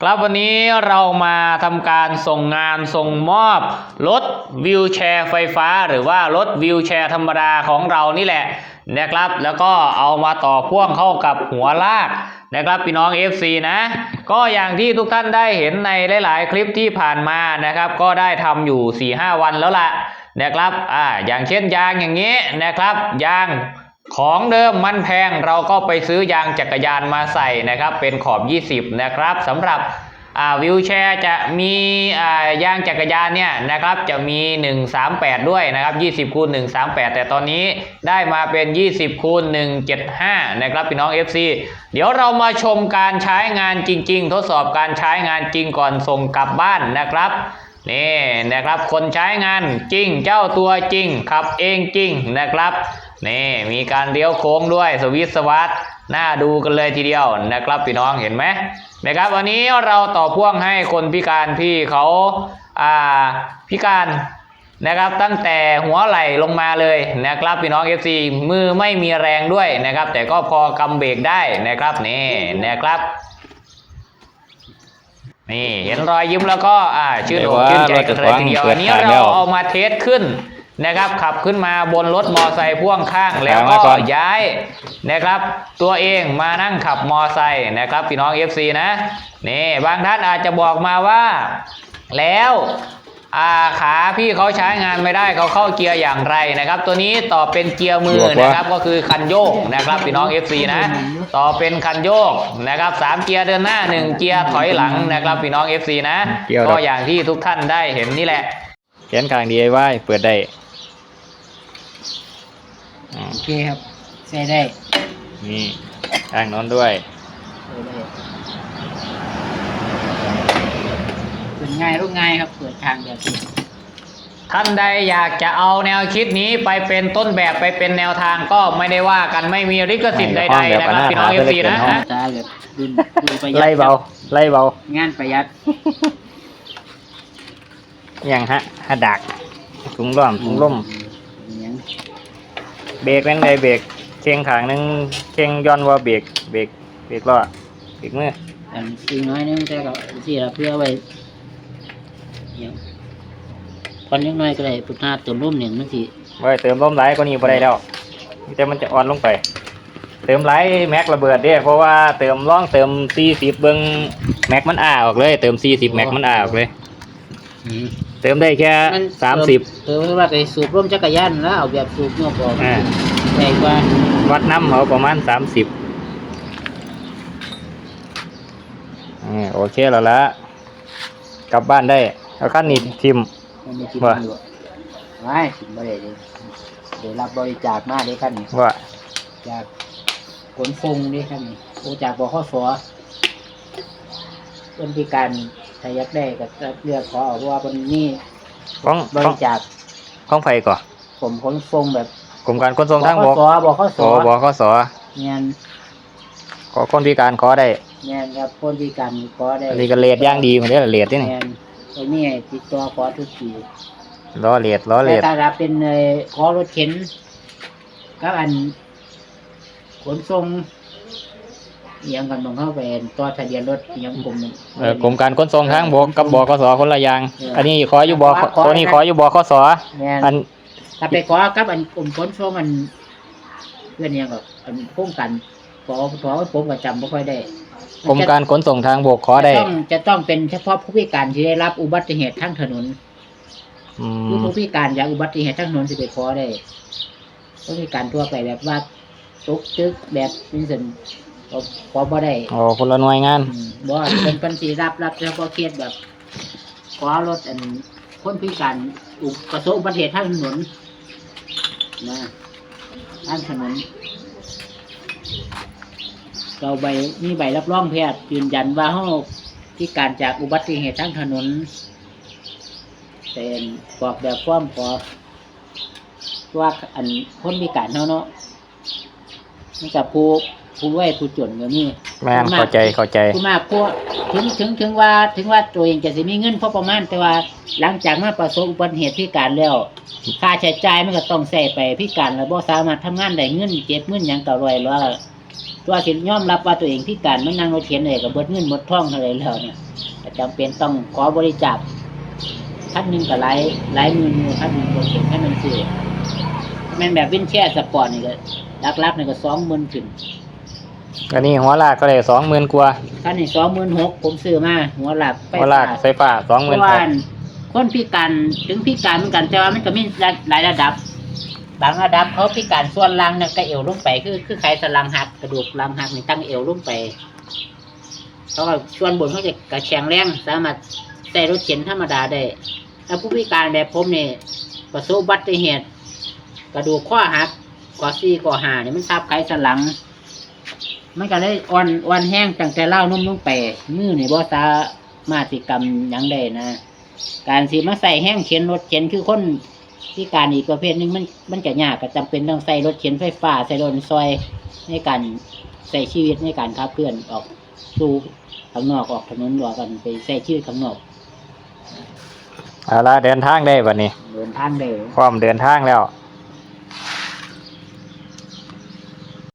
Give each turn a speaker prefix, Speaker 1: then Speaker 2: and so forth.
Speaker 1: ครับวันนี้เรามาทำการส่งงานส่งมอบรถวีลแชร์ไฟฟ้าหรือว่ารถวีลแชร์ธรรมดาของเรานี่แหละนะครับแล้วก็เอามาต่อพ่วงเข้ากับหัวลากนะครับพี่น้อง FC นะก็อย่างที่ทุกท่านได้เห็นในหลายๆคลิปที่ผ่านมานะครับก็ได้ทำอยู่ 4-5 วันแล้วล่ะนะครับอย่างเช่นยางอย่างนี้นะครับยางของเดิมมันแพงเราก็ไปซื้อยางจักรยานมาใส่นะครับเป็นขอบ20นะครับสำหรับวีลแชร์จะมียางจักรยานเนี่ยนะครับจะมี138ด้วยนะครับ20x138แต่ตอนนี้ได้มาเป็น20x175นะครับพี่น้อง FC เดี๋ยวเรามาชมการใช้งานจริงๆทดสอบการใช้งานจริงก่อนส่งกลับบ้านนะครับนี่นะครับคนใช้งานจริงเจ้าตัวจริงขับเองจริงนะครับนี่มีการเลี้ยวโค้งด้วยสวิตช์สวัสดน่าดูกันเลยทีเดียวนะครับพี่น้องเห็นไหมนะครับวันนี้เราต่อพ่วงให้คนพิการที่เขาพิการนะครับตั้งแต่หัวไหล่ลงมาเลยนะครับพี่น้อง FC มือไม่มีแรงด้วยนะครับแต่ก็พอกำเบรกได้นะครับนี่นะครับนี่เห็นรอยยิ้มแล้วก็ชื่นอกชื่นใจกันเลยทีเดียวอันนี้เราเอามาเทสขึ้นนะครับขับขึ้นมาบนรถมอไซค์พ่วงข้างแล้วก็ย้ายนะครับตัวเองมานั่งขับมอไซค์นะครับพี่น้อง FC นะนี่บางท่านอาจจะบอกมาว่าแล้วขาพี่เขาใช้งานไม่ได้เขาเข้าเกียร์อย่างไรนะครับตัวนี้ต่อเป็นเกียร์มือนะครับก็คือคันโยกนะครับพี่น้อง FC นะต่อเป็นคันโยกนะครับ3เกียร์เดินหน้า1เกียร์ถอยหลังนะครับพี่น้อง FC นะก็อย่างที่ทุกท่านได้เห็นนี่แหละแขนข้าง DIY เปิดได้
Speaker 2: โอเคครับใส่ได้
Speaker 1: นี่ข้างนอนด้วย
Speaker 2: เปิดง่ายรูปง่ายครับเปิดทางแบบนี้
Speaker 1: ท่านใดอยากจะเอาแนวคิดนี้ไปเป็นต้นแบบไปเป็นแนวทางก็ไม่ได้ว่ากันไม่มีลิขสิทธิ์ใดๆนะครับพี่น้อง FC นะ
Speaker 2: ตาแบบดูประหยัด
Speaker 1: ไล่เบาง
Speaker 2: านประหยัด
Speaker 1: อย่างฮะดักถุงล่มเบรกนั่นเลยเบรกเชียงขางนึงเชียงย้อนว่าเบรกล้อเบรกมือ
Speaker 2: อีกน้อยนึงแต่ก็ที่เราเพื่อไว้คนนิดหน่อยก็ได้พุทธาเติมร่มหนึ่งนั่นสิ
Speaker 1: ไว้เติมร่มไหลก็นี่พอได้แล้วแต่มันจะอ่อนลงไปเติมไหลแม็กระเบิดเด้เพราะว่าเติม40เบิ้งแม็กมันออกเลยเติม40แม็กมันออกเลยเติมได้แค่30
Speaker 2: เติมว่าไปสูบร่มจักรยานแล้วเอาแบบสูบนอกออกใหญ่กว่า
Speaker 1: วัดน้ำเขาประมาณ30โอเคแล้วละกลับบ้านได้เอาขั้นนี้ทิม
Speaker 2: ว่าไม่ทิมไม่ได้เลยเดี๋ยวรับบริจาคมาได้ขั้นนี้
Speaker 1: ว่า
Speaker 2: จากขนฟงได้ขั้นนี้โอจากบขส.คนพิการถ้าอยากได้ก็เลือกขอเอาว่าวันนี้บริจาค
Speaker 1: ของไฟก่อน
Speaker 2: ผมขนฟงแบบ
Speaker 1: กรมการขนส่งทางบก
Speaker 2: บขส.
Speaker 1: เนี่ยขอคนพิการขอได้
Speaker 2: เนี่ยครับคนพิการขอได้
Speaker 1: อันนี้ก็เลดย่างดีเหมือนเดิมเลดที่นี่
Speaker 2: ไอ้นี่ติดตัวขอทุกที
Speaker 1: ล้อเลด
Speaker 2: ถ้ารับเป็นขอรถเข็นก็อันขนส่งยังกันมองเข้าไปตัวทะเบียนรถยัง
Speaker 1: กรมการขนส่งทางบกกับบขส.คนละอย่างอันนี้ขออยู่ตัวนี้ขออยู่บขส.อัน
Speaker 2: ถ้าไปขอกับอันกรมขนส่งมันเพื่อนยังกับอันพุ่งกันขอผมก็จำไม่ค่อยได้
Speaker 1: กรมการขนส่งทางบกขอได้
Speaker 2: จะต้องเป็นเฉพาะผู้พิการที่ได้รับอุบัติเหตุทางถนนผู้พิการจากอุบัติเหตุทางถนนจะไปขอได้ผู้พิการทั่วไปแบบว่าตุกตึกแบบนี้สิขอบ่ได้
Speaker 1: คนละหน่วยงาน
Speaker 2: บ่เป็นปัญชีรับเฉพาะเคสแบบขอรถอันคนพิการประสบอุบัติเหตุทางถนนนะทางถนนเรามีใบรับรองแพทย์ยืนยันว่าเขาพิการจากอุบัติเหตุทางถนนเป็นกรอกแบบฟ้อมขอว่าอันคนพิการเนาะมันจะผู้ไว้ผู้จนก็มี
Speaker 1: แม่นเข้าใจ
Speaker 2: ผู้มากพวกถึงว่าตัวเองจะสิมีเงินพอประมาณแต่ว่าหลังจากมาประสบอุบัติเหตุพิการแล้วค่าใช้จ่ายมันก็ต้องใส่ไปพิการแล้วบ่สามารถทำงานได้เงินเก็บเงินหยังก็รวยแล้วตัวสิยอมรับว่าตัวเองพิการมันนั่งรถเข็นได้ก็เบิดเงินหมดทองเท่าไหร่แล้วเนี่ยแต่จำเป็นต้องขอบริจาคท่านหนึงก็หลายหมื่นอยู่ท่านหนึงรถเข็นท่านหนึงซื้อแม่นแบบวินแชร์สปอร์ตนี่ก็ลักๆนี่ก็20,000ขึ้น
Speaker 1: อันนี้หัวลากก็เลย20,000 กว่า
Speaker 2: ท่านนี่26,000ผมซื้อมาหัวหลักไฟ
Speaker 1: หัวลากไฟฟ้า
Speaker 2: เพราะว่า
Speaker 1: 26,000
Speaker 2: คนพิการถึงพิการเหมือนกันแต่ว่ามันก็มีหลายระดับ บางระดับเขาพิการส่วนล่างเนี่ยก็เอวลงไปคือไขสันหลังหักกระดูกหลังหักนี่ตั้งเอวลงไปเพราะว่าส่วนบนเขาจะกระแข็งแรงสามารถใส่รถเข็นธรรมดาได้แล้วผู้พิการแบบผมเนี่ยประสบอุบัติเหตุกระดูกข้อหักข้อ4ข้อ5เนี่ยมันทับไขสันหลัง มันก็เลยอ่อนแห้งตั้งแต่เล่านุ่มลงไปมือนี่บ่สามารถสิกรรมหยังได้นะการสิมาใส่แห้งเข็นรถเข็นคือคนพิการอีกประเภทหนึงมันก็ยากก็จำเป็นต้องใส่รถเข็นไฟฟ้าใส่รถซอยในการใส่ชีวิตในการขับเคลื่อนออกสู่ข้างนอกออกถนนหรือกันไปใส่ชีวิตข้างนอก
Speaker 1: เอาละเดินทางได้บัดนี้
Speaker 2: เดินทางได้
Speaker 1: พร้อมเดินทางแล้ว